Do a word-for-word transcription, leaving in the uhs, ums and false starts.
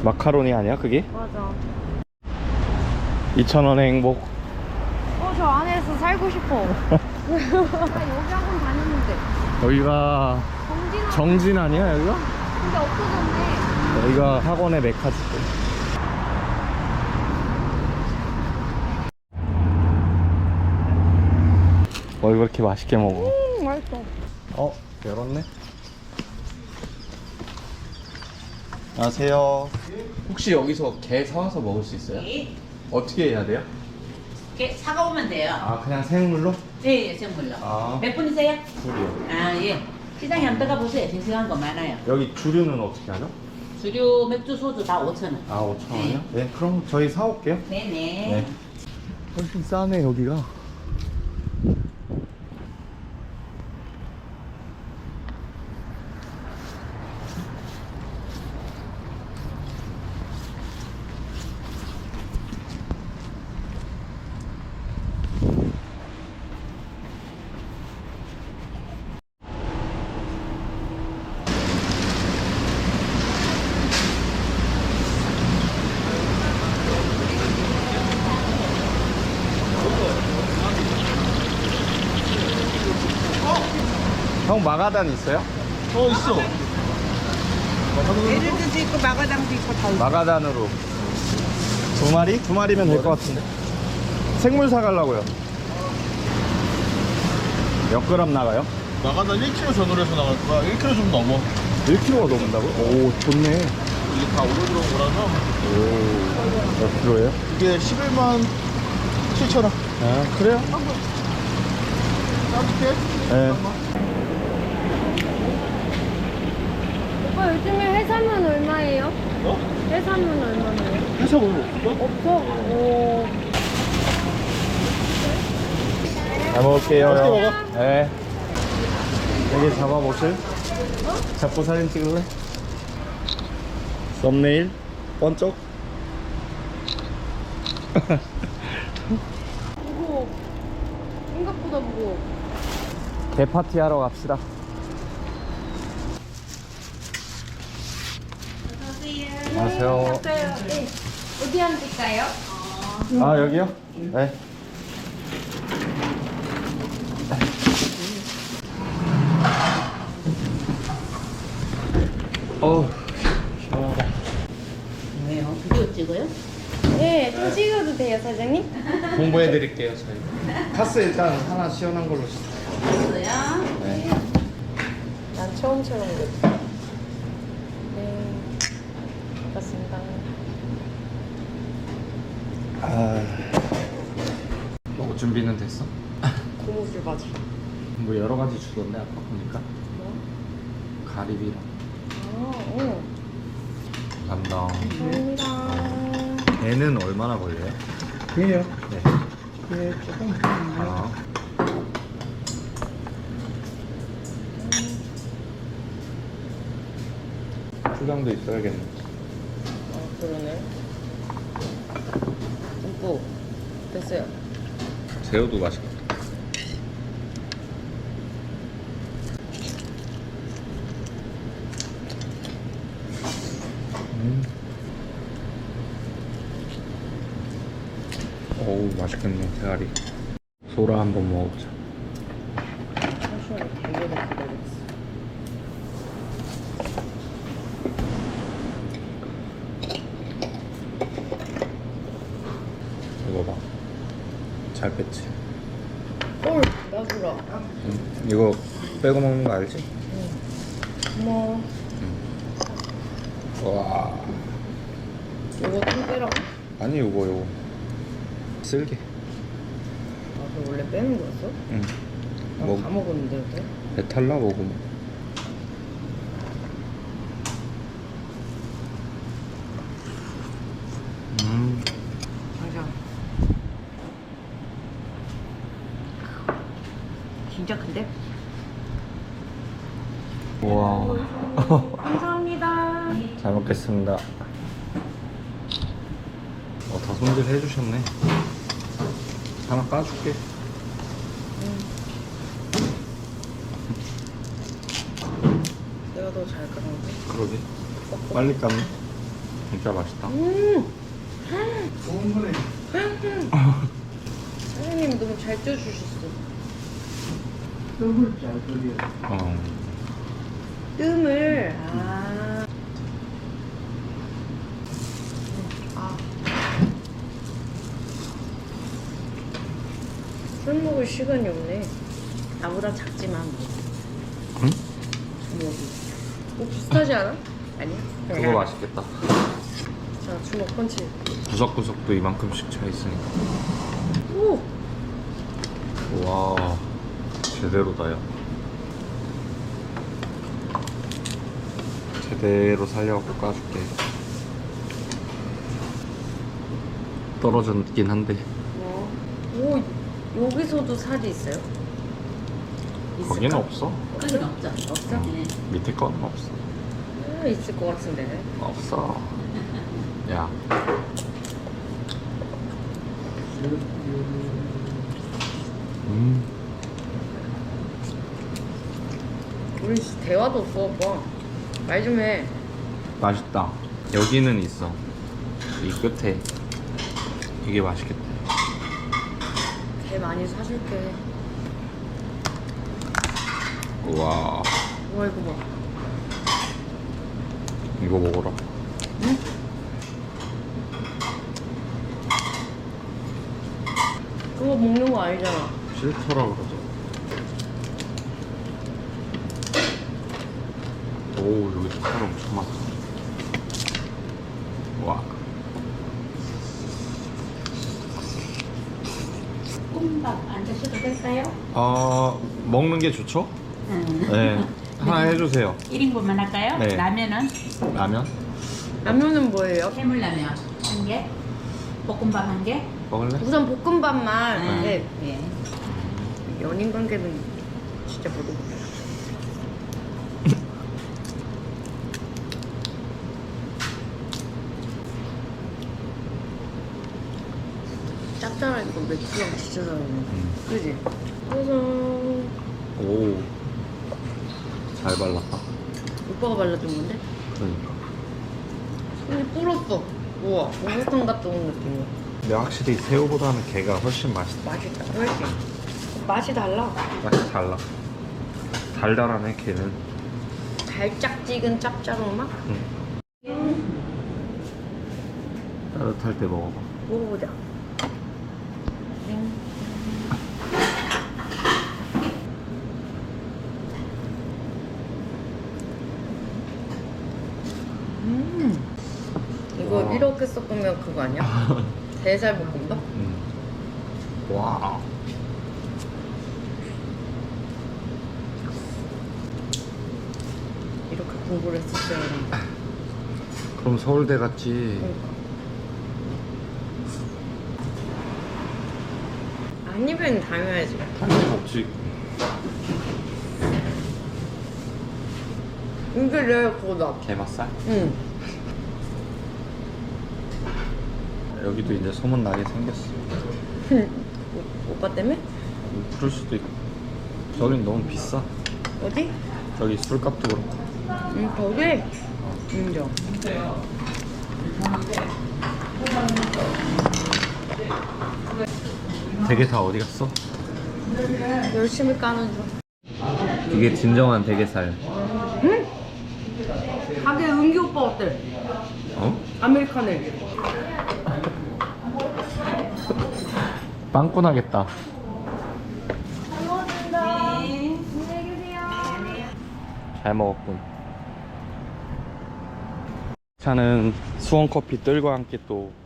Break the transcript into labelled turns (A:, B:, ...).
A: 마카로니 아니야 그게?
B: 맞아.
A: 이천 원의 행복.
B: 어, 저 안에서 살고 싶어. 나 여기 학원 다녔는데.
A: 여기가
B: 정진
A: 정진 아니야 여기가?
B: 근데 없어졌네.
A: 여기가 학원의 메카지. 뭘 그렇게 맛있게 먹어?
B: 음, 맛있어.
A: 어? 열었네? 안녕하세요. 혹시 여기서 게 사와서 먹을 수 있어요?
C: 네.
A: 어떻게 해야 돼요?
C: 이렇게 사가오면 돼요.
A: 아 그냥 생물로?
C: 네, 예, 생물로.
A: 아.
C: 몇 분이세요?
A: 줄이요.
C: 아, 예. 시장에 한번 들어가 보세요. 싱싱한 거 많아요.
A: 여기 주류는 어떻게 하죠?
C: 주류, 맥주, 소주 다 오천 원.
A: 아 오천 원이요? 네 그럼 저희 사올게요.
C: 네네.
A: 네. 훨씬 싸네 여기가. 형 마가단 있어요?
D: 어 있어.
E: 에르드도 있고 마가당도 있고 다 있어.
A: 마가단으로 두 마리? 두 마리면 될 것 같은데. 생물 사가려고요. 몇 그램 나가요?
D: 나가다 일 킬로그램 전후로 해서 나갈 거야. 일 킬로그램 좀 넘어.
A: 일 킬로그램가 넘는다고요? 오 좋네.
D: 이게 다 올려 들어온 거라서
A: 오 몇 킬로예요?
D: 이게 십일만 칠천 원.
A: 아 그래요?
D: 따뜻해?
A: 네.
B: 오빠 요즘에 해산물 얼마예요?
D: 어?
B: 해산물 얼마나요?
D: 회사 오늘 없어?
B: 없어? 오.
A: 잘 먹을게요.
D: 맛있게
A: 형.
D: 먹어.
A: 네. 여기 잡아보실? 잡고 사진 찍을래? 썸네일? 번쩍?
B: 무거워. 생각보다 무거워.
A: 개파티 하러 갑시다. 안녕하세요.
B: 네. 어디 앉을까요?
A: 아 여기요? 네. 어우 시원하다.
C: 왜요? 비디오 찍어요?
B: 네, 좀 찍어도 돼요, 사장님?
A: 공부해 드릴게요 저희. 카스 일단 하나 시원한 걸로 주세요.
C: 있어요?
A: 네.
B: 난 처음처럼 그랬어. 네. 반갑습니다.
A: 아 먹을 준비는 됐어?
B: 고무줄 바지.
A: 뭐 여러 가지 주던데 아까 보니까
B: 뭐?
A: 가리비랑
B: 아, 오.
A: 감당.
B: 감사합니다.
A: 얘는 얼마나 걸려요?
D: 그래요.
A: 네.
D: 예, 조금.
A: 아. 초장도 있어야겠네.
B: 아, 그러네. 듬뿍. 됐어요.
A: 새우도 맛있겠다. 음. 어우 맛있겠네 대가리. 소라 한번 먹어보자.
B: 잠시만요. 되게 기다렸어.
A: 이거 봐. 잘 뺐지?
B: 헐, 나주라.
A: 응. 이거 빼고 먹는 거 알지?
B: 어머,
A: 와.
B: 이거 좀 빼라고?
A: 아니 이거 이거 쓸게.
B: 아, 그럼 원래 빼는 거였어?
A: 응.
B: 나
A: 뭐
B: 다 먹었는데, 어때?
A: 배탈 나 먹으면. 음.
B: 맞아. 진짜 큰데?
A: 와.
B: 감사합니다.
A: 잘 먹겠습니다. 어, 다 손질 해주셨네. 하나 까줄게.
B: 내가 더 잘 까는데?
A: 그러게. 빨리 깠네. 진짜 맛있다.
B: 음.
D: 좋은 거네.
B: 사장님 너무 잘 쪄주셨어.
D: 떡을 잘 끓여.
A: 어.
B: 뜸을. 아. 아. 술 먹을 시간이 없네. 나보다 작지만 뭐.
A: 응?
B: 주먹이. 뭐 비슷하지 않아? 아니야?
A: 그거 맛있겠다.
B: 자, 주먹 펀치.
A: 구석구석도 이만큼씩 차 있으니까.
B: 오!
A: 와, 제대로다, 야. 제대로 살려갖고 까줄게. 떨어졌긴 한데.
B: 뭐. 오, 여기서도 살이 있어요?
A: 거기는
B: 있을까?
A: 없어.
C: 거긴 없죠.
B: 없어?
C: 네.
A: 밑에 거는 없어.
B: 아, 있을 것 같은데.
A: 없어. 야. 음.
B: 우리 진짜 대화도 없어, 오빠. 말 좀 해.
A: 맛있다. 여기는 있어. 이 끝에. 이게 맛있겠다.
B: 개 많이 사줄게.
A: 우와.
B: 우와, 이거 봐.
A: 이거 먹어라.
B: 응? 그거 먹는 거 아니잖아.
A: 싫더라 그러죠. 오, 여기 살 엄청 많다. 와.
C: 볶음밥 안 드셔도 될까요?
A: 아, 먹는 게 좋죠?
C: 음.
A: 네. 하나 해주세요.
C: 일 인분만 할까요?
A: 네.
C: 라면은
A: 라면?
B: 라면은 뭐예요?
C: 해물라면 한 개, 볶음밥 한 개.
A: 먹을래?
B: 우선 볶음밥만.
C: 음.
B: 네.
C: 예.
B: 연인 관계는 진짜 모르겠다. 짭짤하니까 맥주랑 진짜 잘 어울리네.
A: 음.
B: 그지? 그래서
A: 오. 잘 발랐다.
B: 오빠가 발라준 건데?
A: 그러니까.
B: 손이 불었어. 우와, 목욕탕 갔다 온 느낌이야.
A: 근데 확실히 새우보다는 게가 훨씬 맛있다.
B: 맛있다, 훨씬. 맛이 달라.
A: 맛이 달라. 달달하네, 게는.
B: 달짝지근 짭짤한 맛?
A: 응. 따뜻할 때 먹어봐.
B: 먹어보자. 땡. 음. 이거
A: 와.
B: 이렇게 섞으면 그거 아니야? 대살 볶음밥?
A: 음. 와.
B: 이렇게 공부를 했었어야 했는데.
A: 그럼 서울대 갔지.
B: 그러니까. 한 입에는 다녀야지.
A: 한입 먹지.
B: 이게 내 그거다.
A: 게맛살?
B: 응.
A: 여기도 이제 소문 나게 생겼어.
B: 오- 오빠 때문에?
A: 그럴 수도 있고. 저긴 너무 비싸.
B: 어디?
A: 저기 술값도 그렇고.
B: 응, 거기? 인정.
A: 대게 다 어디 갔어?
B: 열심히 까는 중.
A: 이게 진정한 대게살.
B: 응? 가게 은기 오빠 어때?
A: 어?
B: 아메리카노.
A: 빵꾸 나겠다. 잘 먹었군. 차는 수원 커피 뜰과 함께 또